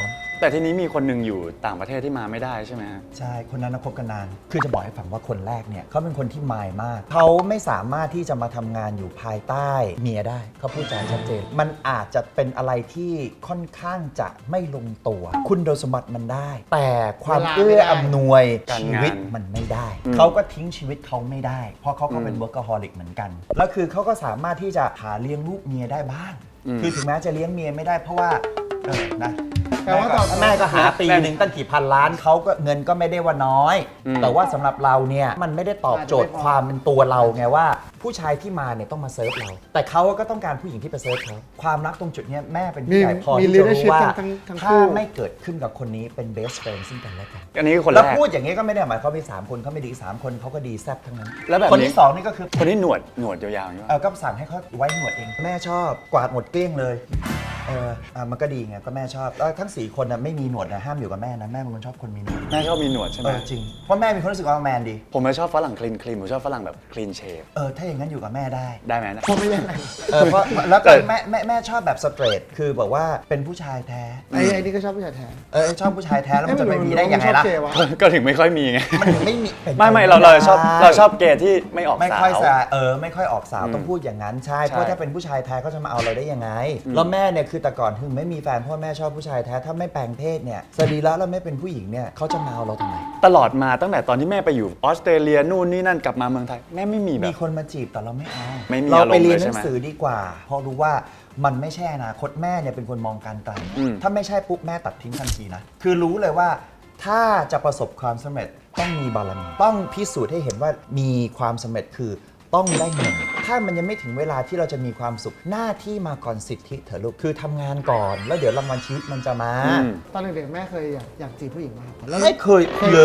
[SPEAKER 1] แต่ทีนี้มีคนหนึ่งอยู่ต่างประเทศที่มาไม่ได้ใช่ไหมฮะ
[SPEAKER 3] ใช่ คนนั้นนะคบกันนาน คือจะบอกให้ฟังว่าคนแรกเนี่ยเขาเป็นคนที่มายมาก เขาไม่สามารถที่จะมาทำงานอยู่ภายใต้เมียได้ เขาพูดจาชัดเจน มันอาจจะเป็นอะไรที่ค่อนข้างจะไม่ลงตัว คุณสมบัติมันได้ แต่ความ
[SPEAKER 2] เวลา
[SPEAKER 3] เอื้
[SPEAKER 2] ไม่
[SPEAKER 3] อ
[SPEAKER 2] ได้
[SPEAKER 3] อำนวย
[SPEAKER 1] การ
[SPEAKER 3] ชี
[SPEAKER 1] งาน
[SPEAKER 3] วิตมันไม่ได้ เขาก็ทิ้งชีวิตเขาไม่ได้ เพราะเขาก็เป็น workaholic เหมือนกัน แล้วคือเขาก็สามารถที่จะหาเลี้ยงลูกเมียได้บ้าง คือถึงแม้จะเลี้ยงเมียไม่ได้เพราะว่านะ
[SPEAKER 2] แปลว่าตอน
[SPEAKER 3] แม่ก็หาปีหนึ่งตั้งกี่พันล้านเขาก็เงินก็ไม่ได้ว่าน้อย แต่ว่าสำหรับเราเนี่ยมันไม่ได้ตอบโจทย์ความเป็นตัวเราไงว่า ผู้ชายที่มาเนี่ยต้องมาเซิร์ฟเรา แต่เขาก็ต้องการผู้หญิงที่ไปเซิร์ฟเขาความรักตรงจุดเนี้ยแม่เป็นผู้ใหญ่พอที่จะรู้ว่า
[SPEAKER 2] ทั้ง
[SPEAKER 3] ถ้า
[SPEAKER 2] คู่
[SPEAKER 3] ไม่เกิดขึ้นกับคนนี้เป็น best friend ซึ่งกันและกัน
[SPEAKER 1] อันนี้คือคนแร
[SPEAKER 3] แล้ว
[SPEAKER 1] ก
[SPEAKER 3] พูดอย่างนี้ก็ไม่ได้หมายความว่ามี3คนเขาไม่ดี3คนเขาก็ดีแซ่บทั้งนั้น
[SPEAKER 1] แล้วแบบนี้
[SPEAKER 3] คนที่2นี่ก็คือ
[SPEAKER 1] คนที่หนวดยาวๆอย่างนี้
[SPEAKER 3] ก็สั่งให้เขาไว้หนวดเองแม่ชอบกวาดหมดเกลี้ยงเลยมันก็ดีไงก็แม่ชอบแล้วทั้ง4คนน่ะไม่มีหนวดนะห้ามอยู่กับแม่นะแม่เป็นคนชอบคนมีหนวด
[SPEAKER 1] แม่ชอบมีหนวดใช่ไหม
[SPEAKER 3] จริงเพราะแม่มีความรู้สึกว่าแมนดี
[SPEAKER 1] ผมไม่ชอบฝรั่งคลีนผมชอบฝรั่งแบบคลีนเชฟ
[SPEAKER 3] ถ้าอย่างนั้นอยู่กับแม่ได้
[SPEAKER 1] ได้ไหมนะ
[SPEAKER 2] เพราะไม่ยังไง
[SPEAKER 3] เพราะแล้วก็แม่ชอบแบบสเตรทคือบอกว่าเป็นผู้ชายแท้
[SPEAKER 2] ไอ้นี่ก็ชอบผู้ชายแท้
[SPEAKER 3] ชอบผู้ชายแท้แล้วมันจะไปมีได้ยังไงล่ะ
[SPEAKER 2] ชอบเกย์วะ
[SPEAKER 1] ก็ถึงไม่ค่อยมีไง
[SPEAKER 3] มันถึงไม่มีเป็น
[SPEAKER 1] ไม่เราชอบเกย์ที่ไม่ออก
[SPEAKER 3] ไม่
[SPEAKER 1] สา
[SPEAKER 3] ค่อยว ไม่ค่อยออกสาว
[SPEAKER 1] อืม
[SPEAKER 3] ต้องพูดอย่างนั้นใช่
[SPEAKER 1] ใช่
[SPEAKER 3] เพราะถ้าเป็นผู้ชายแท้เขาจะมาเอาเราได้ยังไงแล้วแม่เนี่ยคือแต่ก่อนถึงไม่มีแฟนเพราะแม่ชอบผู้ชายแท้ถ้าไม่แปลงเพศเนี่ยสรีระแล้วไม่เป็นผู้หญิงเนี่ยเขาจะมาเอาเราทำไม
[SPEAKER 1] ตลอดมาตั้งแต่ตอนที่แม่ไปอยู่ออสเตรเลียนู่นนี่นั่นกลับมาเมืองไทยแม่ไม่มีแบ
[SPEAKER 3] มี
[SPEAKER 1] บ
[SPEAKER 3] คนมาจีบแต่เราไม่เอา
[SPEAKER 1] ไม่มี
[SPEAKER 3] เรา
[SPEAKER 1] อารมณ์
[SPEAKER 3] ไปเรียน
[SPEAKER 1] เลย
[SPEAKER 3] ห
[SPEAKER 1] ใช่
[SPEAKER 3] นั
[SPEAKER 1] ไหม
[SPEAKER 3] งสือดีกว่า เพราะรู้ว่ามันไม่ใช่อนาคตแม่เนี่ยเป็นคนมองการไกล
[SPEAKER 1] อืม
[SPEAKER 3] ถ้าไม่ใช่ปุ๊บแม่ตัดทิ้งทันทีนะ คือรู้เลยว่าถ้าจะประสบความสำเร็จต้องมีบารมีต้องพิสูจน์ให้เห็นว่ามีความสำเร็จคือต้องได้เงินถ้ามันยังไม่ถึงเวลาที่เราจะมีความสุขหน้าที่มาก่อนสิทธิเถอะลูกคือทำงานก่อนแล้วเดี๋ยวรางวัลชีวิตมันจะมา
[SPEAKER 1] อืม
[SPEAKER 2] ตอนเด็กๆแม่เคยอยากจีบผู้หญิงมากแล้ว
[SPEAKER 3] ไม่เคย
[SPEAKER 2] เคย
[SPEAKER 3] เลย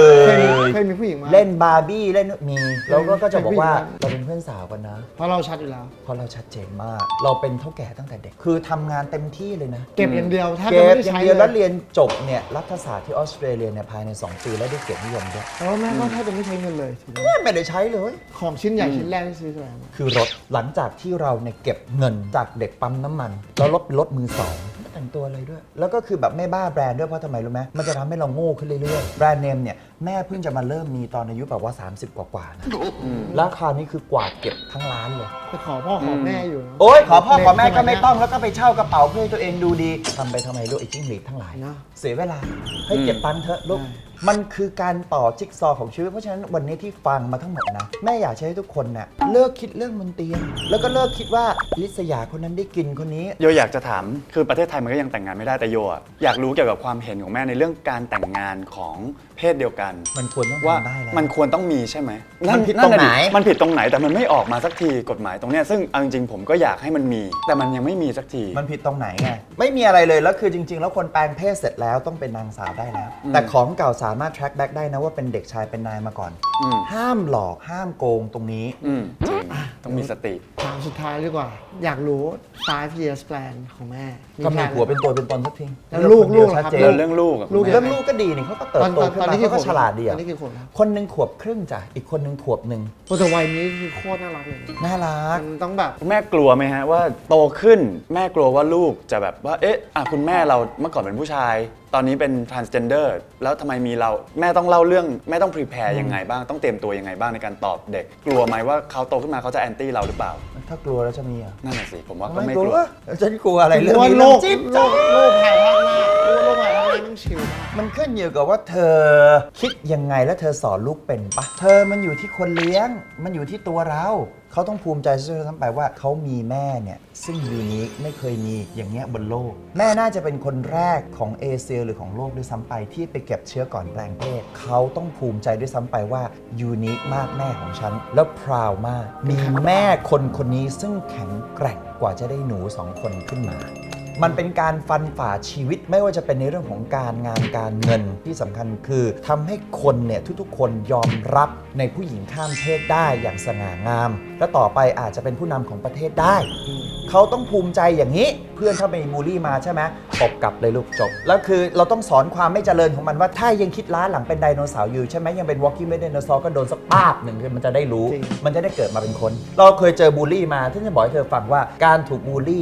[SPEAKER 2] เคยมีผู้หญิงมา
[SPEAKER 3] เล่นบาร์บี้เล่นมีแล้วก็จะบอกว่า
[SPEAKER 2] เป็นผู้หญิง
[SPEAKER 3] เราเป็นเพื่อนสาวกันนะ
[SPEAKER 2] เพราะเราชัดอยู่แล้ว
[SPEAKER 3] เพราะเราชัดเจนมาก เราเป็นเท่าแก่ตั้งแต่เด็ก คือทำงานเต็มที่เลยนะ
[SPEAKER 2] เก็บอย่างเดียวแทบ
[SPEAKER 3] เก็
[SPEAKER 2] จะ
[SPEAKER 3] บ
[SPEAKER 2] ไม่ได้
[SPEAKER 3] อย่า
[SPEAKER 2] ใช้
[SPEAKER 3] งเดียว
[SPEAKER 2] เล
[SPEAKER 3] แล้ว
[SPEAKER 2] ย
[SPEAKER 3] เรียนจบเนี่ยรัฐศาสตร์ที่ออสเตรเลียเนี่ยภายใน 2 ปีแล้วได้เกียรตินิยมด้วย
[SPEAKER 2] แต่ว่าแม่ก็แทบจะไม่ใช้เงินเลยถูกไหม
[SPEAKER 3] ไม่ได้ใช้เลย
[SPEAKER 2] ของชิ้นใหญ่ชิ้นแรกที่ซื้ออะไรมา
[SPEAKER 3] คือรถหลังจากที่เราเนี่ยเก็บเงินจากเด็กปั๊มน้ำมัน แล้วรถมือสองไม่แต่งตัวอะไรด้วย แล้วก็คือแบบไม่บ้าแบรนด์ด้วยเพราะทำไมรู้ไหมมันจะทำให้เราโง่ขึ้นเรื่อยๆแบรนด์เนมเนี่ยแม่เพิ่งจะมาเริ่มมีตอนอายุแบบว่า 30 กว่าๆนะแล้วคราวนี้คือกวาดเก็บทั้งร้านเลย
[SPEAKER 2] ไปขอพ่อขอแม่อยู่นะ
[SPEAKER 3] โอ๊ยขอพ่อขอแม่ก็ไม่ต้องแล้วก็ไปเช่ากระเป๋าเพื่อให้ตัวเองดูดีทำไปทำไมลูกไอ้จิ้งหรีดทั้งหลาย
[SPEAKER 2] เนอะ
[SPEAKER 3] เสียเวลาให้เก็บตังค์เถอะลูก
[SPEAKER 2] ใช่
[SPEAKER 3] มันคือการต่อจิ๊กซอว์ของชีวิตเพราะฉะนั้นวันนี้ที่ฟังมาทั้งหมดนะแม่อยากให้ทุกคนเน่ะเลิกคิดเรื่องบนเตียงแล้วก็เลิกคิดว่าลิษยาคนนั้นได้กินคนนี้
[SPEAKER 1] โยอยากจะถามคือประเทศไทยมันก็ยังแต่งงานไม่ได้แต่โยอะอยากรู้เกี่ยวกับความเห็นของแม่ในเรื่องการแต่งงานของเพศเดียวกัน
[SPEAKER 3] มันควรต้อง
[SPEAKER 1] ว่า
[SPEAKER 3] ทำได้แล้ว
[SPEAKER 1] มันควรต้องมีใช่ไหม
[SPEAKER 3] มันผิดตรงไหน
[SPEAKER 1] ะดิมันผิดตรงไหนแต่มันไม่ออกมาสักทีกฎหมายตรงเนี้ยซึ่งเอาจริงๆผมก็อยากให้มันมี แต่มันยังไม่มีสักที
[SPEAKER 3] มันผิดตรงไหนไงไม่มีอะไรเลยแล้วคือจริง ๆ แล้วคนแปลงเพศเสร็จแล้วต้องเป็นนางสาวได้แล้ว แต่ของเก่าสามารถ track back ได้นะว่าเป็นเด็กชายเป็นนายมาก่อน
[SPEAKER 1] อืม
[SPEAKER 3] ห้ามหลอกห้ามโกงตรงนี้
[SPEAKER 1] จริงต้องมีสติ
[SPEAKER 2] ถามสุดท้ายดีกว่า อยากรู้ 5 years plan ของแม่
[SPEAKER 3] ก็มี
[SPEAKER 2] แผน
[SPEAKER 3] หัวเป็นตัวเป็นตนสักที
[SPEAKER 2] แล้วลูก
[SPEAKER 3] เดียว
[SPEAKER 2] ล่ะครับ
[SPEAKER 3] ชัดเจ
[SPEAKER 1] เรื่
[SPEAKER 3] น
[SPEAKER 1] องลูกอะ
[SPEAKER 2] ลูก
[SPEAKER 3] เรื่องลูกก็ดีนี่เขาก็เติบโตขึ้นมาเขาก็ฉลาดดี
[SPEAKER 2] ตอ
[SPEAKER 3] อะ
[SPEAKER 2] นนี้กี่ขวบแล้ว
[SPEAKER 3] คนหนึ่งขวบครึ่งจ้ะอีกคนหนึ่งขวบหนึ่ง
[SPEAKER 2] โอ้แต่วัยนี้คือโคตรน่ารักเลยนะ
[SPEAKER 3] น่ารัก
[SPEAKER 2] มันต้องแบบ
[SPEAKER 1] แม่กลัวไหมฮะว่าโตขึ้นแม่กลัวว่าลูกจะแบบว่าเอ๊ะคุณแม่เราเมื่อก่อนเป็นผู้ชาย ตอนนี้เป็น transgender แล้วทำไมมีเราแม่ต้องเล่าเรื่องแม่ต้อง prepare ยังไงบ้างต้องเตรียมตัวยังไงบ้างในการตอบเด็ก กลัวไหมว่าเขาโตขึ้นมาเขาจะ anti เราหรือเปล่า
[SPEAKER 3] ถ้ากลัวแล้วจะมีเหรอ่ะ
[SPEAKER 1] นั่นแหละสิผมว่าก็ไม่กลัว
[SPEAKER 3] ฉันกลัวอะไรเรื่อง
[SPEAKER 2] ว่า
[SPEAKER 3] นี้
[SPEAKER 2] โล
[SPEAKER 3] เรื่อง
[SPEAKER 2] ก
[SPEAKER 3] จิ๊บ
[SPEAKER 2] โลกภายภาคหน้าโลกภายภาคหน้าต้องชิลมาก
[SPEAKER 3] มันขึ้นอยู่กับว่าเธอคิดยังไงและเธอสอนลูกเป็นปะเธอมันอยู่ที่คนเลี้ยง มันอยู่ที่ตัวเรา เขาต้องภูมิใจซะด้วยซ้ำไปว่าเขามีแม่เนี่ยซึ่งยูนิคไม่เคยมีอย่างเงี้ยบนโลก แม่น่าจะเป็นคนแรกของเอเชียหรือของโลกด้วยซ้ำไปที่ไปเก็บเชื้อก่อนแปลงเพศเขาต้องภูมิใจด้วยซ้ำไปว่ายูนิคมากแม่ของฉันแล้วพราวมาก มีแม่คนนี้ซึ่งแข็งแกร่งกว่าจะได้หนู2 คนขึ้นมา มันเป็นการฟันฝ่าชีวิตไม่ว่าจะเป็นในเรื่องของการงานการเงินที่สำคัญคือทำให้คนเนี่ยทุกๆ คนยอมรับในผู้หญิงข้ามเพศได้อย่างสง่างาม และต่อไปอาจจะเป็นผู้นำของประเทศได้ เขาต้องภูมิใจอย่างนี้เพื่อนถ้าไปบูลลี่มาใช่ไหมตบกลับเลยลูกจบ แล้วคือเราต้องสอนความไม่เจริญของมันว่าถ้ายังคิดล้าหลังเป็นไดโนเสาร์อยู่ใช่ไหมยังเป็น walking ไม่ไดโนเสาร์ก็โดนสักป้าบหนึ่งมันจะได้รู้
[SPEAKER 2] จริง
[SPEAKER 3] มันจะได้เกิดมาเป็นคน เราเคยเจอบูลลี่มาที่จะบอกให้เธอฟังว่าการถูกบูลลี่เนี่ย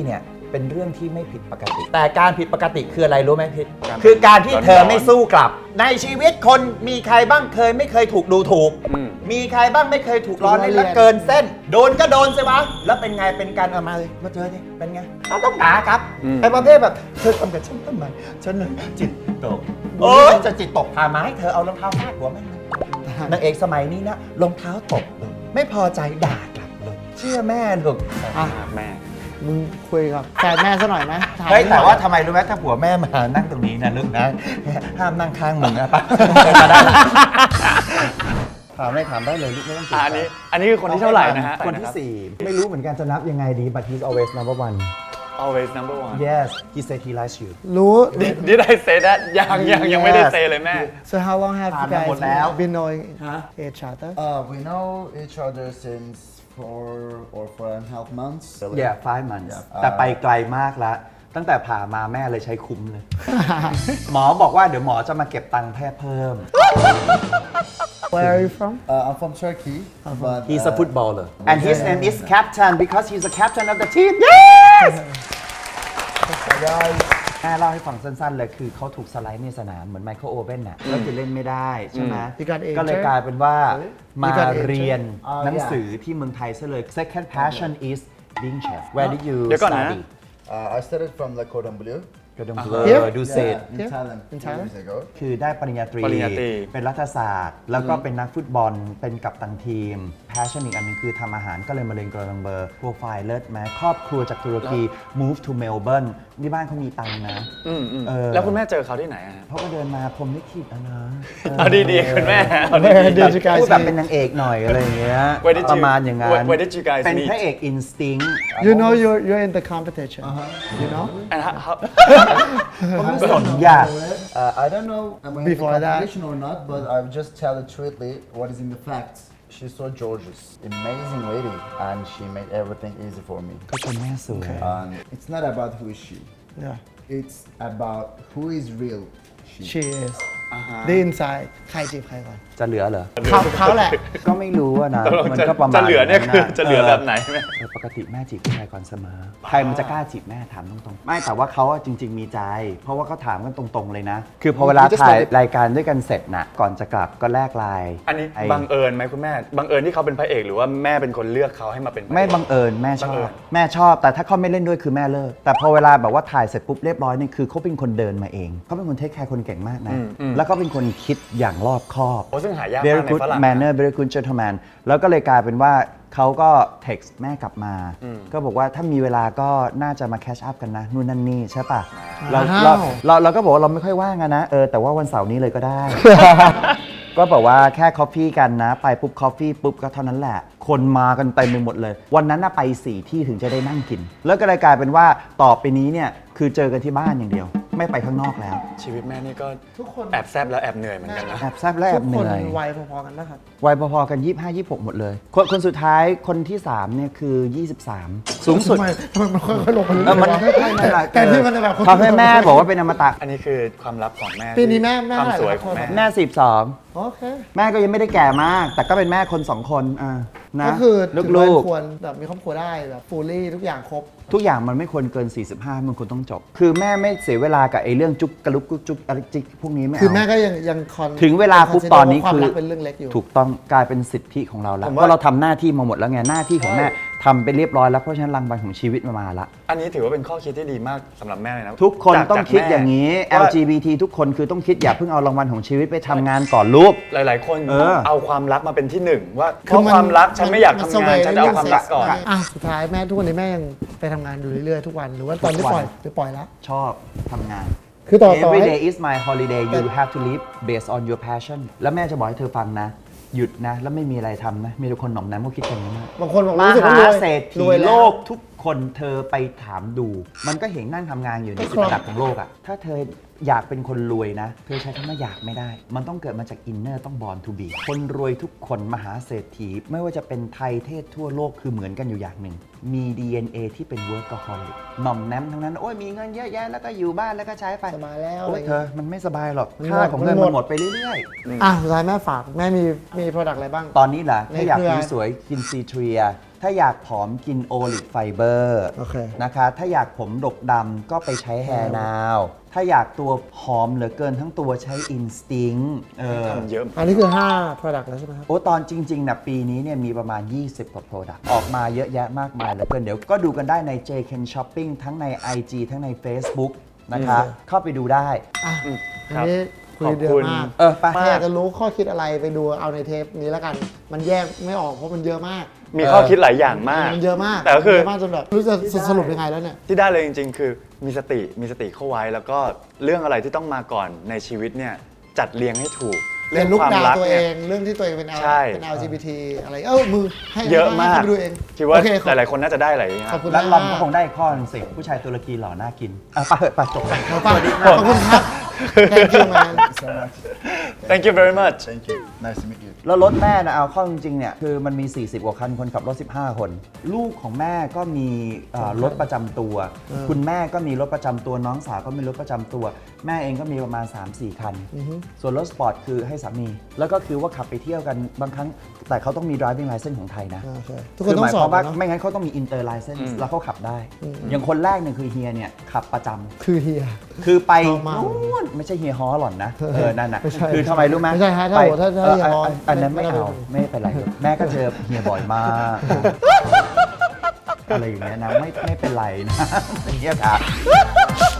[SPEAKER 3] เป็นเรื่องที่ไม่ผิดปกติ แต่การผิดปกติคืออะไรรู้ไหมพิษ
[SPEAKER 1] การ
[SPEAKER 3] คือการที่เธอ
[SPEAKER 1] ร้อนๆ
[SPEAKER 3] ไม่สู้กลับ ในชีวิตคนมีใครบ้างไม่เคยถูกดูถูก
[SPEAKER 1] อืม
[SPEAKER 3] มีใครบ้างไม่เคยถูกล้อเล่นและเกินเส้น โดนก็โดนสิวะแล้วเป็นไงเป็นการเอามาเลยมาเจอดิเป็นไงเราต้องด่าครับ
[SPEAKER 1] อืม
[SPEAKER 3] ไอ้ประเภทแบบเธอทำกับฉันทำไมฉันจิตตกโอ้ยจะจิตตกพามาให้เธอเอารองเท้าฟาดหัวแม่งเลยนางเอกสมัยนี้นะรองเท้าตกเลยไม่พอใจด่ากลับเลยเชื่อแม่ลูก
[SPEAKER 2] อ่ะ
[SPEAKER 1] แม่
[SPEAKER 2] มึงคุยกับแฟนแม่ซะหน่อยไหมถม
[SPEAKER 3] เฮ้ย
[SPEAKER 2] หน่
[SPEAKER 3] แต่
[SPEAKER 2] อย
[SPEAKER 3] ว่าทำไมรู้ไหมถ้าผัวแม่มานั่งตรงนี้นะลูกนะ ห้ามนั่งข้างมึงนะปะถามได้เลยลูกไม่ต้อง
[SPEAKER 1] อันนี้คือคนที่เท่าไหร่นะฮะ
[SPEAKER 3] คนที่ 4 ไม่รู้เหมือนกันจะนับยังไงดี but he's always number one
[SPEAKER 1] always number one
[SPEAKER 3] yes he said he likes you
[SPEAKER 2] รู้
[SPEAKER 1] Did I say that ยังไม่ได้ say เลยแม่
[SPEAKER 2] so how long have you
[SPEAKER 3] ผ่านมาหมดแล้ว
[SPEAKER 2] guys been knowing each other
[SPEAKER 4] We know each other since 4.5 months.
[SPEAKER 3] yeah 5 months
[SPEAKER 4] Yeah.
[SPEAKER 3] แต่ไปไกลมากแล้ว ตั้งแต่ผ่ามาแม่เลยใช้คุ้มเลย หมอบอกว่าเดี๋ยวหมอจะมาเก็บตังค์แพทย์เพิ่ม
[SPEAKER 2] where are you from
[SPEAKER 4] I'm from Turkey, but
[SPEAKER 3] he's a footballer and his name is captain because he's the captain of the team yes แม่เล่าให้ฟังสั้นๆเลยคือเขาถูกสไลด์ในสนามเหมือนไมเคิลโอเว่นน่ะก็คือเล่นไม่ได้ใช่ไหม
[SPEAKER 2] You got injured?
[SPEAKER 3] ก็เลยกลายเป็นว่ามา
[SPEAKER 2] You got injured?
[SPEAKER 3] เรียน
[SPEAKER 4] Oh,
[SPEAKER 3] หนัง
[SPEAKER 4] yeah.
[SPEAKER 3] สือที่เมืองไทยซะเลย second passion is being chef where did you
[SPEAKER 1] เดี๋ยวก่อนนะ
[SPEAKER 3] study
[SPEAKER 4] I started from the Cordon Bleu.
[SPEAKER 3] กระดม
[SPEAKER 2] Here?
[SPEAKER 3] ดูเศษ
[SPEAKER 4] In
[SPEAKER 2] Yeah.
[SPEAKER 4] Thailand.
[SPEAKER 2] In
[SPEAKER 4] 2
[SPEAKER 2] Thailand?
[SPEAKER 4] years ago.
[SPEAKER 3] คือได้ปริญญาตรี
[SPEAKER 1] ปริญญาตรี
[SPEAKER 3] เป็นรัฐศาสตร์ แล้วก็เป็นนักฟุตบอล เป็นกัปตันทีม passion อีกอันหนึงคือทำอาหารก็เลยมาเรียนกรดังเบอร์โปรไฟล์เลิศไหมครอบครัวจากตุรกี move to Melbourne ที่บ้านเขามีตังค์นะ เออ
[SPEAKER 1] แล้วคุณแม่เจอเขาที่ไหนอะฮะ
[SPEAKER 3] เขาก็เดินมาผมไม่คิดอะนะ
[SPEAKER 1] เอาดีๆคุณแม่เอาดี
[SPEAKER 2] Where did you guys
[SPEAKER 3] พูดแบบ
[SPEAKER 2] meet?
[SPEAKER 3] เป็นนางเอกหน่อยอะไรอย่างเงี้ย
[SPEAKER 1] Where did you-
[SPEAKER 3] ประมาณอย่างนั้น
[SPEAKER 1] Where did you guys
[SPEAKER 3] เป็น
[SPEAKER 1] meet?
[SPEAKER 3] พระเอก instinct
[SPEAKER 2] you know you're in the competition you know
[SPEAKER 1] ๆ and how
[SPEAKER 3] ก็ไม่สนอยาก
[SPEAKER 4] I don't know am I in the
[SPEAKER 2] Before that-
[SPEAKER 4] competition or not, but I will just tell it truthfully what is in the facts. She's so gorgeous, amazing lady, and she made everything easy for me.
[SPEAKER 3] ก็ชมแม่สวย
[SPEAKER 4] And it's not about who is she.
[SPEAKER 2] yeah
[SPEAKER 4] It's about who is real she.
[SPEAKER 2] she is the inside ใครจีบใครก่อน
[SPEAKER 3] จะเหลือเหรอ
[SPEAKER 2] เขาแหละ
[SPEAKER 3] ก็ไม่รู้อะนะ มันก็ประมาณ
[SPEAKER 1] จะเหลือเนี่ยคือ
[SPEAKER 3] นั้น
[SPEAKER 1] จะเหลือแบบไหนแม่
[SPEAKER 3] ปกติแม่จีบผู้ชายก่อนเสมอ ใครมันจะกล้าจีบแม่ถามตรงๆ ไม่แต่ว่าเขาอะจริง ๆ มีใจ เพราะว่าเขาถามกันตรงๆเลยนะ คือพอเวลาถ่ายรายการด้วยกันเสร็จน่ะ ก่อนจะกลับก็แลกไลน์
[SPEAKER 1] อันนี้บังเอิญไหมคุณแม่ บังเอิญที่เขาเป็นพระเอกหรือว่าแม่เป็นคนเลือกเขาให้มาเป็นพระเอก
[SPEAKER 3] ไม่บังเอิญแม่ช
[SPEAKER 1] บัง
[SPEAKER 3] อ
[SPEAKER 1] เอิ
[SPEAKER 3] บ
[SPEAKER 1] ญ
[SPEAKER 3] แม่ชอบ แต่ถ้าเขาไม่เล่นด้วยคือแม่เลิก แต่พอเวลาแบบว่าถ่ายเสร็จปุ๊บเรียบร้อยนี่คือเขาเป็นคนเดินมาเอง เขาเป็นคนเทคแคร์คนเก่งมากนะ แล้วก็เป็นคนคิดอย่างรอบคอบ
[SPEAKER 1] โอ้ซึ่งหายาก
[SPEAKER 3] very
[SPEAKER 1] มากใน
[SPEAKER 3] good
[SPEAKER 1] ฝรั่ง
[SPEAKER 3] manner very good gentleman แล้วก็เลยกลายเป็นว่าเขาก็ text แม่กลับมา ก็บอกว่าถ้ามีเวลาก็น่าจะมา catch up กันนะ นู่นนั่นนี่ใช่ปะเรา
[SPEAKER 2] ว้าว
[SPEAKER 3] เราก็บอกว่าเราไม่ค่อยว่างอะนะแต่ว่าวันเสาร์นี้เลยก็ได้ ก็บอกว่าแค่คอฟฟี่กันนะ ไปปุ๊บคอฟฟี่ปุ๊บก็เท่านั้นแหละ คนมากันเต็มไปหมดเลย วันนั้นน่ะไป 4 ที่ถึงจะได้นั่งกิน แล้วก็เลยกลายเป็นว่าต่อไปนี้เนี่ยคือเจอกันที่บ้านอย่างเดียว ไม่ไปข้างนอกแล้ว
[SPEAKER 1] ชีวิตแม่นี่ก็
[SPEAKER 2] ทุกคน
[SPEAKER 1] แอบแซบแล้วแอบเหนื่อยเหมือนกันนะ
[SPEAKER 3] แอบแซบและแอ
[SPEAKER 2] ทุ
[SPEAKER 3] บ
[SPEAKER 2] ก
[SPEAKER 3] เห
[SPEAKER 2] คน
[SPEAKER 3] นื่อย
[SPEAKER 2] วัยพอๆกันนะครับ
[SPEAKER 3] วัยพอๆกัน 25-26 หมดเลย คนสุดท้ายคนที่ 3 เนี่ยคือ 23 สูงสุด
[SPEAKER 2] ทำไมมันค่อยๆลงมาเรื่อย
[SPEAKER 3] มัน
[SPEAKER 2] ๆแต่ที่มันจะแบบ
[SPEAKER 3] ทำให้แม่บอกว่าเป็นอมตะ
[SPEAKER 1] อันนี้คือความลับของแม่
[SPEAKER 2] ปีนี้แม่
[SPEAKER 1] ความสวย
[SPEAKER 2] เท่าไหร่
[SPEAKER 1] ของแม่
[SPEAKER 3] แม่ 42
[SPEAKER 2] โอเค
[SPEAKER 3] แม่ก็ยังไม่ได้แก่มาก แต่ก็เป็นแม่คน 2 คนนะ
[SPEAKER 2] ก็คือถือ
[SPEAKER 3] ลู
[SPEAKER 2] ว่าก
[SPEAKER 3] ๆ
[SPEAKER 2] ควรแบบมีครอบครัวได้แบบฟูลี่ทุกอย่างครบ
[SPEAKER 3] ทุกอย่างมันไม่ควรเกิน 45 มันควรต้องจบ คือแม่ไม่เสียเวลากับไอ้เรื่องจุกกระลุกกุ๊กจุกอะไรจิกพวกนี้ไม่เอา
[SPEAKER 2] คือแม่ก็ยังคอน
[SPEAKER 3] ถึงเวลาปุ๊บ
[SPEAKER 2] consider
[SPEAKER 3] ตอนนี้
[SPEAKER 2] ว่าความ
[SPEAKER 3] คือ
[SPEAKER 2] รักเป็นเรื่องเล็กอยู่
[SPEAKER 3] ถูกต้องกลายเป็นสิทธิของเราแล้ว
[SPEAKER 1] ผม
[SPEAKER 3] เพ
[SPEAKER 1] ว่า
[SPEAKER 3] ราะเราทำหน้าที่มาหมดแล้วไงหน้าที่ของแม่ทำไปเรียบร้อยแล้วเพราะฉะนั้นรางวัลของชีวิตมาละ
[SPEAKER 1] อันนี้ถือว่าเป็นข้อคิดที่ดีมากสำหรับแม่เลยนะ
[SPEAKER 3] ทุกคน
[SPEAKER 1] จาก
[SPEAKER 3] ต้องคิด
[SPEAKER 1] แม่
[SPEAKER 3] อย่างนี้
[SPEAKER 1] ว่า
[SPEAKER 3] LGBT ทุกคนคือต้องคิดอย่าเพิ่งเอารางวัลของชีวิตไปทำงานก่อนลูก
[SPEAKER 1] หลาย ๆ คน
[SPEAKER 3] เออ
[SPEAKER 1] เอาความรักมาเป็นที่หนึ่งว่าเพ
[SPEAKER 2] คือ
[SPEAKER 1] ราะความรักฉันไม่อยากทำงาน
[SPEAKER 2] มั
[SPEAKER 1] ฉันจะเอาความรักก่อน
[SPEAKER 2] อ่ะสุดท้ายแม่ทุกวันนี้แม่ยังไปทำงานอยู่เรื่อยๆทุกวันหรือว่าตอนที่ปล่อยหรือปล่อยแล้ว
[SPEAKER 3] ชอบทำงาน
[SPEAKER 2] คือต่อ
[SPEAKER 3] Every
[SPEAKER 2] ให้
[SPEAKER 3] day is my holiday you have to live based on your passion แล้วแม่จะบอกให้เธอฟังนะ หยุดนะ แล้วไม่มีอะไรทำนะ มีแต่คนหน่อมน้ำเขาคิดกันอย่างนี้มาก
[SPEAKER 2] บางคนบอก
[SPEAKER 3] ม
[SPEAKER 2] รู้สึกว่า
[SPEAKER 3] หาร
[SPEAKER 2] วย
[SPEAKER 3] เศรษฐี
[SPEAKER 2] รวย
[SPEAKER 3] โล
[SPEAKER 2] แล้ว
[SPEAKER 3] กทุกคนเธอไปถามดู มันก็เห็นนั่งทำงานอยู่ใน
[SPEAKER 2] ก็
[SPEAKER 3] จุ
[SPEAKER 2] ค
[SPEAKER 3] ด
[SPEAKER 2] รับ
[SPEAKER 3] ระดับของโลกอะถ้าเธออยากเป็นคนรวยนะ เธอใช้คำว่าอยากไม่ได้ มันต้องเกิดมาจากอินเนอร์ต้อง born to be คนรวยทุกคนมหาเศรษฐี ไม่ว่าจะเป็นไทยเทศทั่วโลกคือเหมือนกันอยู่อย่างหนึ่ง มี DNA ที่เป็น workaholic หน่อมแนมทั้งนั้น โอ้ยมีเงินเยอะแยะแล้วก็อยู่บ้านแล้วก็ใช้ไป
[SPEAKER 2] สบายแล้ว
[SPEAKER 3] โอ้
[SPEAKER 2] อะไร
[SPEAKER 3] ย
[SPEAKER 2] เงี้ย
[SPEAKER 3] เธอมันไม่สบายหรอก
[SPEAKER 2] มัน
[SPEAKER 3] ค่าของเงิน
[SPEAKER 2] หมด
[SPEAKER 3] มันหมดไปเรื่อย
[SPEAKER 2] อ่ะสุดท้ายแม่ฝากแม่มี product อะไรบ้าง
[SPEAKER 3] ๆ ตอนนี้แหละถ้าอยาก
[SPEAKER 2] ในเครือ
[SPEAKER 3] ผิวสวยกินซีเทรียถ้าอยากผอมกินโอลิฟไฟเบอร์
[SPEAKER 2] โอเค
[SPEAKER 3] นะคะ ถ้าอยากผมดกดำก็ไปใช้แฮร์นาว ถ้าอยากตัวหอมเหลือเกินทั้งตัวใช้อินสติ้ง
[SPEAKER 1] ทำเยอะ
[SPEAKER 2] อันนี้คือ 5 product แล้วใช่ไหมครับ
[SPEAKER 3] โอ้ตอนจริงๆนะปีนี้เนี่ยมีประมาณ 20 กว่า Product ออกมาเยอะแยะมากมายเหลือเกินเดี๋ยวก็ดูกันได้ใน JKen Shopping ทั้งใน IG ทั้งใน Facebook นะคะ เข้าไปดูได้
[SPEAKER 2] อ่ะ
[SPEAKER 1] ครั
[SPEAKER 2] อัน
[SPEAKER 1] บ
[SPEAKER 2] นี้คุยเดือ
[SPEAKER 1] ขอบคุ
[SPEAKER 2] ด
[SPEAKER 1] ณ
[SPEAKER 2] มาก
[SPEAKER 3] ไป
[SPEAKER 2] ถ้าอยากจะรู้ข้อคิดอะไรไปดูเอาในเทปนี้แล้วกัน มันแยกไม่ออกเพราะมันเยอะมาก
[SPEAKER 1] มีข้อคิดหลายอย่างมาก
[SPEAKER 2] มันเยอะมาก
[SPEAKER 1] แต่ก็คือ
[SPEAKER 2] เยอะมากจนแบบไม่รู้จะสรุปยังไงแล้วเนี่ย
[SPEAKER 1] ที่ได้เลยจริงๆ คือมีสติเข้าไว้แล้วก็เรื่องอะไรที่ต้องมาก่อนในชีวิตเนี่ยจัดเรียงให้ถูก
[SPEAKER 2] เรียนลุกดาวตัวเอ
[SPEAKER 1] นี่ย
[SPEAKER 2] ง เรื่องที่ตัวเองเป็น
[SPEAKER 1] ใช่
[SPEAKER 2] LGBT อะไรมือให้
[SPEAKER 1] เยอะมาก
[SPEAKER 2] ให้ไปดูเอง
[SPEAKER 1] คิดว่า
[SPEAKER 2] โอเค
[SPEAKER 1] หลายๆคนน่าจะได้หลายอย่าง
[SPEAKER 2] ขอบคุณ
[SPEAKER 3] แล้ว
[SPEAKER 2] มาก
[SPEAKER 3] ลอนก็คงได้อีกข้อหนึงสิผู้ชายตุรกีหล่อน่ากินไปเถอะไปจบกัน
[SPEAKER 2] ขอบคุณครับ thank you man
[SPEAKER 4] So much.
[SPEAKER 1] Thank you very much
[SPEAKER 4] Thank you. Nice to meet you.
[SPEAKER 3] แล้วรถแม่นะเอาเข้าจริงๆเนี่ยคือมันมี 40 กว่าคันคนขับรถ 15 คน ลูกของแม่ก็มีรถประจำตัว คุณแม่ก็มีรถประจำตัวน้องสาวก็มีรถประจำตัว แม่เองก็มีประมาณ 3-4 คัน ส่วนรถสปอร์ตคือให้สามี แล้วก็คือว่าขับไปเที่ยวกันบางครั้ง แต่เขาต้องมี driving license ของไทยนะ
[SPEAKER 2] โอเคทุกคน
[SPEAKER 3] ห
[SPEAKER 2] ต้อ
[SPEAKER 3] มาง ย
[SPEAKER 2] ส
[SPEAKER 3] ค
[SPEAKER 2] อ
[SPEAKER 3] วา
[SPEAKER 2] บ
[SPEAKER 3] มว่า
[SPEAKER 2] เนอะ
[SPEAKER 3] ไม่งั้นเขาต้องมี inter license แล้วเขาขับได้ อย่างคนแรกเนี่ยคือเฮียเนี่ยขับประจำ
[SPEAKER 2] คือเฮีย
[SPEAKER 3] คือไป
[SPEAKER 2] ชอบมาก
[SPEAKER 3] นู่นไม่ใช่เฮียฮอหล่อนนะนั่นน่ะ
[SPEAKER 2] ไม่ใช่
[SPEAKER 3] คือทำไมรู้ไหม
[SPEAKER 2] ไม่ใช่ฮะถ้า
[SPEAKER 3] ไป
[SPEAKER 2] ถ้าเฮียฮอ
[SPEAKER 3] อันนั้น
[SPEAKER 2] ไม่
[SPEAKER 3] ไม่
[SPEAKER 2] ได้
[SPEAKER 3] เอาไม่เป็นไรแม่ก็เจอเฮียบ่อยมาก อะไรอย่างเงี้ยนะไม่เป็นไรนะเฮียค่ะ